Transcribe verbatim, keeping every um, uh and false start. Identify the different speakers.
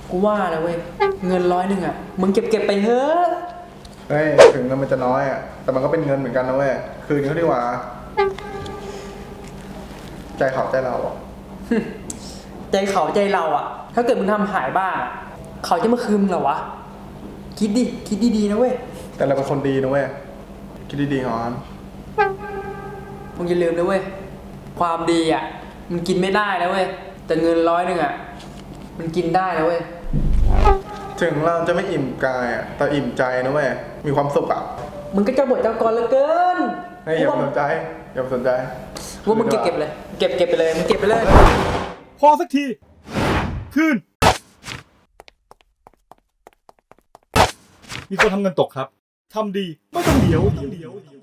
Speaker 1: กูว่านะเว้ยเงินร้อยหนึ่งอ่ะมึงเก็บเก็บไปเถอะ
Speaker 2: เฮ้ยถึงเงินมันจะน้อยอ่ะแต่มันก็เป็นเงินเหมือนกันนะเว้ยคืนเขาดีกว่าใจเขาใจเราอ่ะ
Speaker 1: ใจเขาใจเราอ่ะถ้าเกิดมึงทำหายบ้างเขาจะมาคืนมึงเหรอวะคิดดิคิดดีๆนะเว้ย
Speaker 2: แต่เราเป็นคนดีนะเว้ยคิดดีๆก่อน
Speaker 1: มึงอย่าลืมนะเว้ยความดีอ่ะมันกินไม่ได้นะเว้ยแต่เงินร้อยหนึ่งอ่ะมันกินได้นะเว้ย
Speaker 2: ถึงเราจะไม่อิ่มกายอ่ะแต่อิ่มใจนะเว้ยมีความสุขอ่ะ
Speaker 1: มึงก็เจ้าบทเจ้ากรเหลือเกิน
Speaker 2: เฮ้ยอย่าไปสนใจอย่าไปสนใจ
Speaker 1: ว่ามึงเก็บเก็บเลยเก็บเก็บไปเลยมึงเก็บไปเลย
Speaker 3: พอสักทีคืนมีคนทำเงินตกครับทำดีไม่ต้องเดี๋ยว